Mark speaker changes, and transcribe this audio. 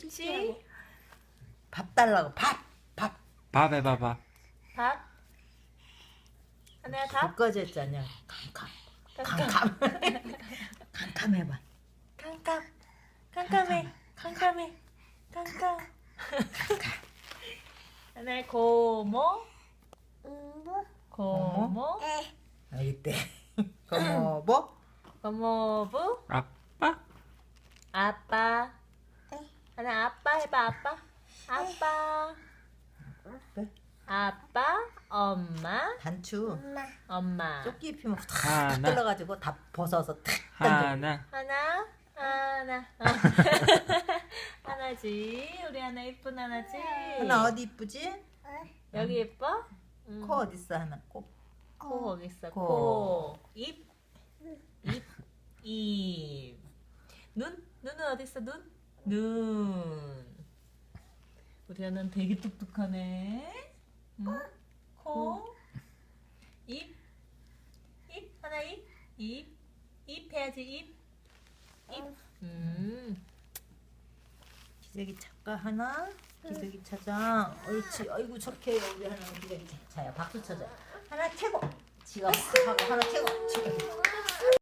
Speaker 1: 옳지.
Speaker 2: 밥 달라고. 밥.
Speaker 3: 밥 해봐 밥.
Speaker 1: 밥. 하나야 밥.
Speaker 2: 밥까지 했잖냐. 캄캄. 캄캄 해봐.
Speaker 1: 깜깜. 깜깜해. 깜깜해. 깜깜. 하나야 고모. 고모.
Speaker 2: 이때. 고모부.
Speaker 1: 고모부.
Speaker 3: 아빠.
Speaker 1: 아빠. 하나 아빠 해봐 아빠. 아빠. 아빠. 엄마.
Speaker 2: 단추.
Speaker 1: 엄마.
Speaker 2: 조끼 입히면 탁
Speaker 3: 하나.
Speaker 2: 떨어가지고 다 벗어서 탁 던져.
Speaker 3: 하나.
Speaker 1: 하나. 하나지. 우리 하나 이쁜 하나지.
Speaker 2: 하나 어디 이쁘지?
Speaker 1: 여기 예뻐?
Speaker 2: 코 어디 있어 하나? 코.
Speaker 1: 코 거기 있어.
Speaker 2: 코.
Speaker 1: 코. 입. 눈. 눈은 어디 있어? 눈. 우리 하나는 되게 똑똑하네. 코. 입. 하나 입. 입 해야지 입.
Speaker 2: 기저귀 차가 하나. 기저귀 차장. 옳지. 아이고 착해요 우리 하나 기저귀 차야. 박수 쳐줘. 하나 최고. 지가 하고 하나 최고.